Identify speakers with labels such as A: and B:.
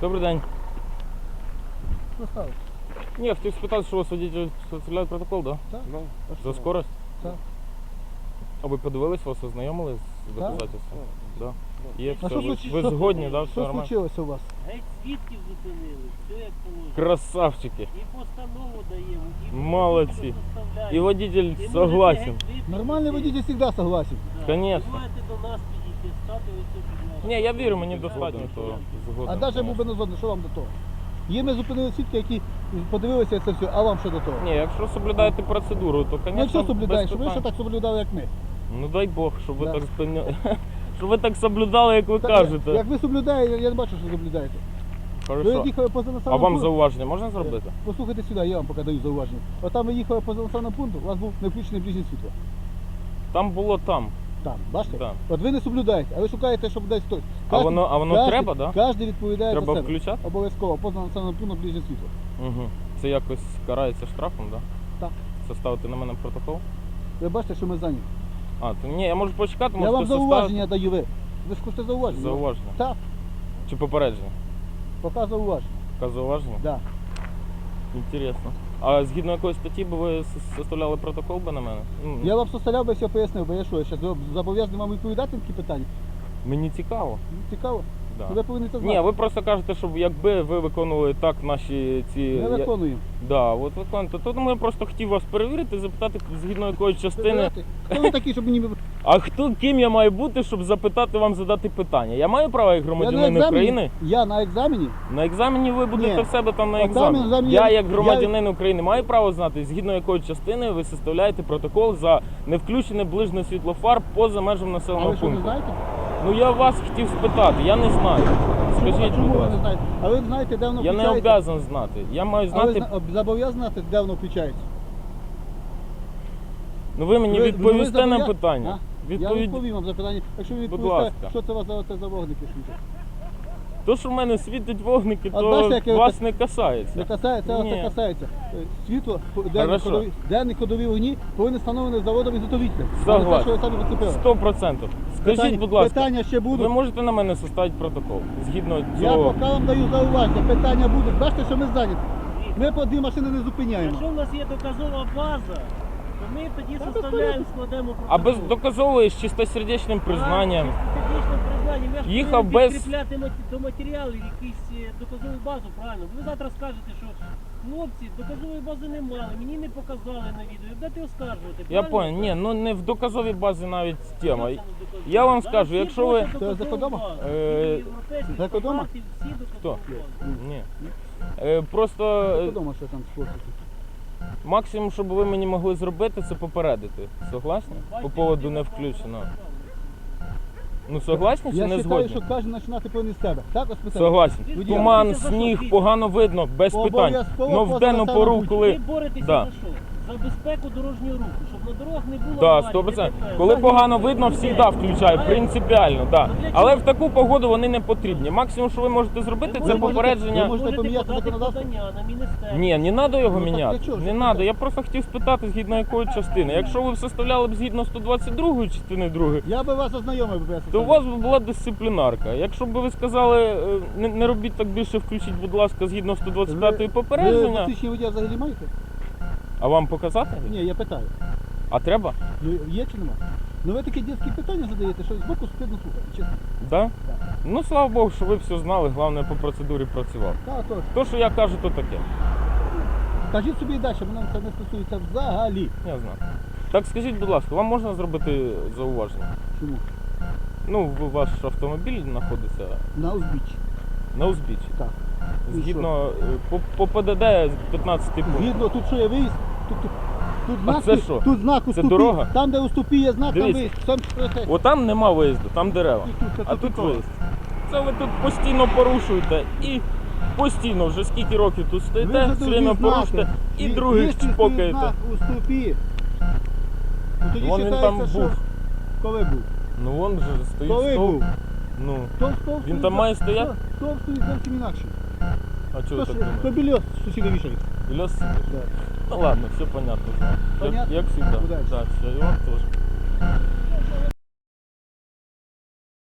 A: Добрий день.
B: Що сталося?
A: Ні, я хотів спитати, що у вас водитель составляє протокол, так?
B: Так?
A: Да?
B: А
A: За
B: що?
A: скорость?
B: Так.
A: А ви подивились, вас ознайомили з доказательством? Да. Є
B: А
A: все.
B: що случилось?
A: Ви згодні, так? Все
B: Що
A: нормально?
B: случилося у вас?
C: Геть свідків зупинили, все як положено.
A: Красавчики.
C: І постанову даємо, і
A: Молодці.
C: составляємо.
A: І водитель
C: І можете
A: согласен.
C: геть випустити.
B: Нормальний водитель завжди согласен.
C: Да.
A: Конечно.
C: Ви маєте до нас підійти, стати ось тут від нас.
A: Ні, я вірю, мені достатньо того. Згоден.
B: А навіть був би не згоден, що вам до того? Є ми зупинили свідки, які подивилися це все, а вам що до того?
A: Ні, якщо соблюдаєте процедуру, то, звісно,
B: Ну що соблюдаєш,
A: без
B: щоб ви ще
A: питань.
B: так соблюдали, як ми.
A: Ну дай Бог, щоб ви
B: Да.
A: так щоб ви так соблюдали, як ви кажете.
B: Як ви соблюдаєте, я не бачу, що соблюдаєте. Ви
A: Хорошо.
B: їхали поза
A: А
B: населеним
A: вам
B: пунктом.
A: зауваження можна зробити?
B: Послухайте сюди, я вам поки даю зауваження. От там ви їхали поза населеним пунктом, у вас був не включений ближнє світло.
A: Там було там.
B: Там, бачите?
A: Так.
B: От ви не соблюдаєте, а ви шукаєте, щоб десь хтось.
A: А воно треба, да?
B: Кожен відповідає
A: Треба
B: за себе.
A: включати?
B: Обов'язково, поза населеним пунктом ближнє світло.
A: Угу. Це якось карається штрафом, так?
B: Так.
A: Составити на мене протокол?
B: Ви бачите, що ми зайняті.
A: А, то ні, я можу почекати,
B: Я
A: можете
B: вам зауваження даю ви. Ви ж хочете зауваження?
A: Зауваження.
B: Так,
A: Чи попередження?
B: поки зауваження.
A: Яке зауваження?
B: Да.
A: Інтересно. А згідно якої статті би ви составляли протокол би на мене? Ну,
B: Я вам составляв би все пояснив, бо я що, я ще зобов'язаний вам відповідати на такі питання?
A: Мені цікаво.
B: Ну, цікаво.
A: Да.
B: Ви повинні це знати.
A: Ні, ви просто кажете, що якби ви виконували так наші ці...
B: Ми виконуємо.
A: Да, от виконуєте. Тому я просто хотів вас перевірити, запитати, згідно якої частини.
B: Хто ви такі, щоб мені...
A: А ким я маю бути, щоб запитати вам задати питання? Я маю право як
B: Я на
A: громадянин
B: екзамені.
A: України?
B: Я на екзамені.
A: На екзамені ви будете
B: Ні.
A: в себе там на
B: А там
A: екзамені.
B: екзамен
A: Я
B: я-
A: як громадянин України маю право знати, згідно якої частини ви составляєте протокол за невключене ближнє світло фар поза межами
B: А
A: населеного
B: ви що, не
A: пункту.
B: знаєте?
A: Ну я вас хотів спитати, я не знаю. Скажіть,
B: Чому
A: будь
B: ви не
A: ласка.
B: знаєте? А ви знаєте, де воно
A: Я не
B: включається?
A: обов'язаний знати. Я маю
B: А ви
A: знати.
B: зобов'язані знати, де воно включається?
A: Ну ви мені
B: Ви
A: відповісте на
B: зобов'я-
A: питання.
B: А? Я відповім вам запитання. Якщо ви
A: Будь
B: відповісте,
A: ласка.
B: що це у вас за вогники світять?
A: То, що в мене світять вогники,
B: От
A: то
B: бачите, яке ви
A: вас
B: так-
A: не касається.
B: Не касається, вас
A: Ні.
B: це касається. Світло,
A: Хорошо.
B: денні ходові вогні повинні встановлені заводом ізготовителем.
A: Согласен.
B: Що ви самі поцепили.
A: 100%. Скажіть, будь ласка,
B: Питання ще
A: ви
B: будуть.
A: можете на мене составити протокол? Згідно
B: Я
A: цього.
B: поки вам даю зауваження, питання будуть. Бачите, що ми зайняті. Ми по дві машини не зупиняємо.
C: Якщо в нас є доказова база, то ми тоді составляємо, складемо протокол.
A: А без доказової з чистосердечним признанням.
C: Чистосердечним признанням. Я ж
A: Їхав
C: повинен
A: без-
C: підкріпляти до матеріалів якусь доказову базу, правильно? Ви завтра скажете, що хлопці, доказової бази не мали, мені не показали на відео. Будете оскаржувати,
A: Я
C: правильно?
A: понял, ні, ну не в доказовій базі навіть тема.
C: Що це не доказово?
A: Я вам
C: Зараз
A: скажу,
C: всі
A: якщо ви.
C: просять
B: Це
C: доказову
B: закодома?
C: базу.
A: Е,
C: І європейські
B: закодома?
C: стандарти, всі
A: Хто?
C: доказові бази.
A: Ні. Просто
B: Подумав, що там хлопці.
A: максимум, що б ви мені могли зробити, це попередити. Согласні? По поводу не включено. Ну согласні чи
B: Я
A: не
B: вважаю,
A: згодні?
B: що кожен починати повинен з себе. Так, ось питання.
A: Согласен.
C: Водій,
A: Туман,
C: ви за що
A: сніг,
C: б'єте?
A: погано видно, без питань.
B: Обов'язково
A: Но в
B: поза
A: денну
B: населеним
A: пору,
B: пунктом.
A: коли.
C: Ви боретеся
A: Да.
C: за що? За безпеку дорожнього руху, щоб на дорогах не було
A: Да,
C: аварій,
A: 100%.
C: ДТП.
A: Коли
C: За
A: погано
C: людей.
A: видно, завжди включаю, принципіально, да.
C: Ну, для чого?
A: Але в таку погоду вони не потрібні. Максимум, що ви можете зробити,
C: Ви
A: це
C: можете-
A: попередження.
B: ви можете поміняти
C: подати
B: законодавство?
C: подання на міністерство.
A: Ні, не треба його
B: Ну, так
A: міняти.
B: для чого ж
A: Не
B: це
A: треба.
B: таке?
A: Я просто хотів спитати, згідно якої частини. Якщо ви б составляли б згідно 122 частини 2,
B: Я би вас ознайомив би.
A: то у вас би була дисциплінарка. Якщо б ви сказали, не робіть так більше, включіть, будь ласка, згідно 125
B: Ви
A: попередження.
B: посвідчення водія взагалі маєте?
A: А вам показати?
B: Ні, я питаю.
A: А треба?
B: Ну, є чи нема? Ну ви такі дитячі питання задаєте, що збоку стидно слухати, чесно.
A: Да? Ну слава Богу, що ви все знали, головне по процедурі працював.
B: Так, то.
A: То, що я кажу, то таке.
B: Кажіть собі і далі, мене це не стосується взагалі.
A: Я знаю. Так скажіть, будь ласка, вам можна зробити зауваження?
B: Чому?
A: Ну, ваш автомобіль знаходиться
B: На узбіччі.
A: на узбіччі.
B: Так. І
A: Згідно по ПДД 15 пункт.
B: Згідно, тут що є виїзд, тут
A: А
B: знак,
A: це що?
B: тут знак
A: Це
B: уступі.
A: дорога?
B: Там, де уступі є знак, там
A: Дивіться.
B: виїзд. Там,
A: Отам нема виїзду, там дерева.
B: Це
A: А тут
B: тупо.
A: виїзд. Це ви тут постійно порушуєте і постійно, вже скільки років тут
B: Ви
A: стоїте,
B: вже
A: все время
B: другі знаки.
A: порушите і
B: Є-
A: других
B: є стоїть
A: чпокаєте.
B: знак уступі. Ну, тоді
A: Вон він
B: вважається,
A: там
B: що...
A: був.
B: Коли був?
A: Ну вон же стоїть
B: Коли
A: стовп.
B: був?
A: Ну,
B: Стовп
A: Він
B: стоїть
A: там
B: за-
A: має стояти?
B: Стовп стоїть зовсім інакше.
A: а чого ви так
B: То
A: думаєте?
B: більос сусіди вішають.
A: Лес сидиш?
B: Да.
A: Ну ладно, все понятно.
B: Понятно?
A: Як всегда.
B: Удачи.
A: Да, все, и вам тоже.